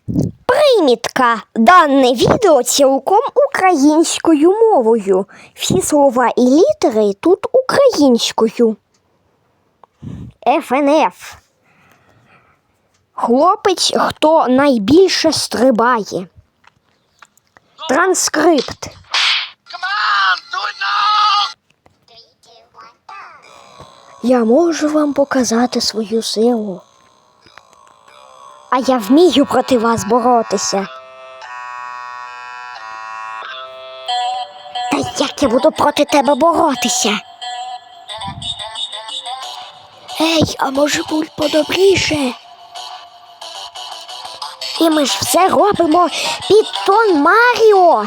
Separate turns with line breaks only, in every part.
Примітка. Дане відео цілком українською мовою. Всі слова і літери тут українською. ФНФ. Хлопець, хто найбільше стрибає. Транскрипт. Я можу вам показати свою силу. А я вмію проти вас боротися. Та як я буду проти тебе боротися? Ей, а може будь подобріше? І ми ж все робимо під тон Маріо.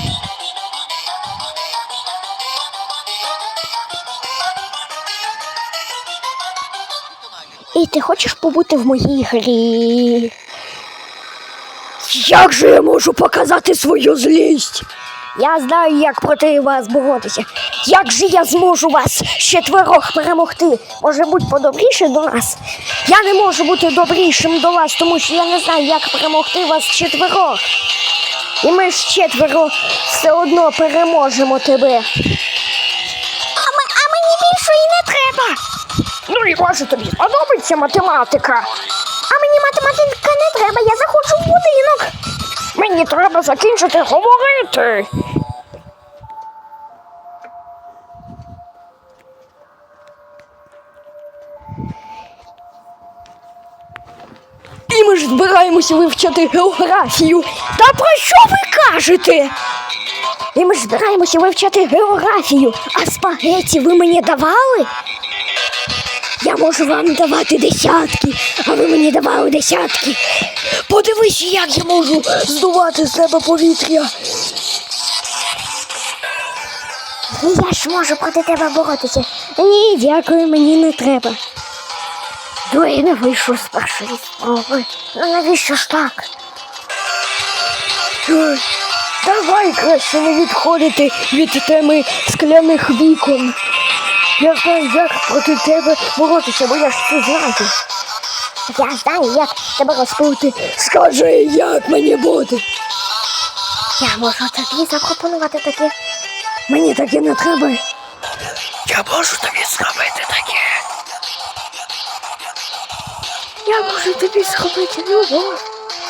І ти хочеш побути в моїй грі? Як же я можу показати свою злість? Я знаю, як проти вас боротися. Як же я зможу вас четверох перемогти? Може будь подобріше до нас? Я не можу бути добрішим до вас, тому що я не знаю, як перемогти вас четверох. І ми ж четверо все одно переможемо тебе. А мені більше і не треба. Ну і може тобі сподобається математика. А мені математика не треба, я заходжу в будинок. Мені треба закінчити говорити. І ми ж збираємося вивчати географію. Та про що ви кажете? І ми ж збираємося вивчати географію. А спагеті ви мені давали? Я можу вам давати десятки, а ви мені давали десятки. Подивись, як я можу здувати з себе повітря. Я ж можу проти тебе боротися. Ні, дякую, мені не треба. Я не вийшов з першої спроби. Ну навіщо ж так? Давай краще не відходити від теми скляних вікон. Я знаю, як проти тебе боротися, бо я ж це знаю. Я знаю, як тебе розпути. Скажи, як мені бути? Я можу тобі запропонувати таке. Мені таке не треба. Я можу тобі зробити таке. Я можу тобі зробити любов.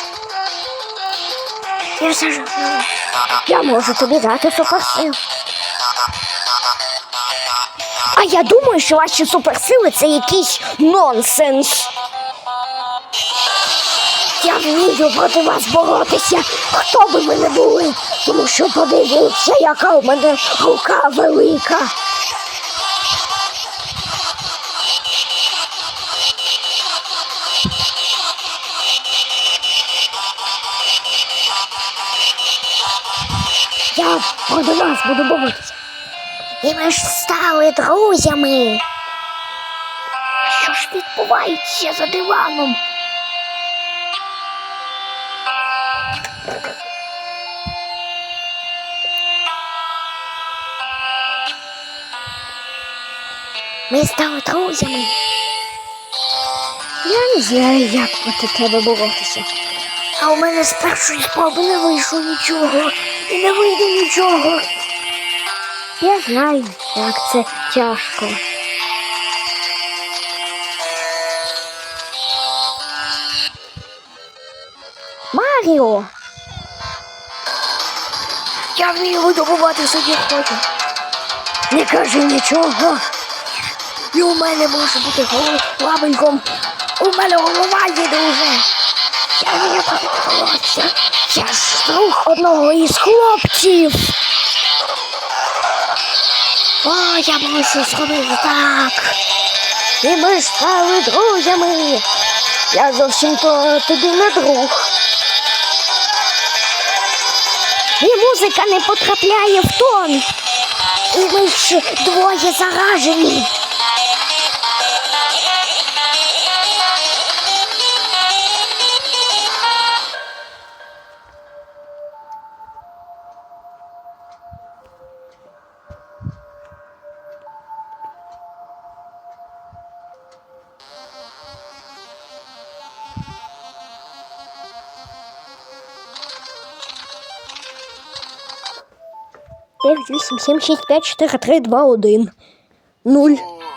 Я можу тобі дати суперсил. А я думаю, що ваші суперсили – це якийсь нонсенс. Я вмію проти вас боротися, хто би ви не були, тому що подивіться, яка у мене рука велика. Я проти вас буду боротися. І ми ж стали друзями. Що ж відбувається за диваном? Ми стали друзями. Я не знаю, як проти тебе боротися. А у мене з першої спроби не вийшло нічого. І не вийде нічого. Я знаю, як це тяжко. Маріо! Я вмію видобувати собі хочу. Не кажи нічого. І у мене може бути лабеньком. У мене голова їде уже. Я вмію боротися. Я ж друг одного із хлопців. О, я мушу зробити так. І ми ж стали друзями. Я зовсім-то тобі не друг. І музика не потрапляє в тон. І ми ж двоє заражені. 9, 8, 7, 6, 5, 4, 3, 2, 1, 0.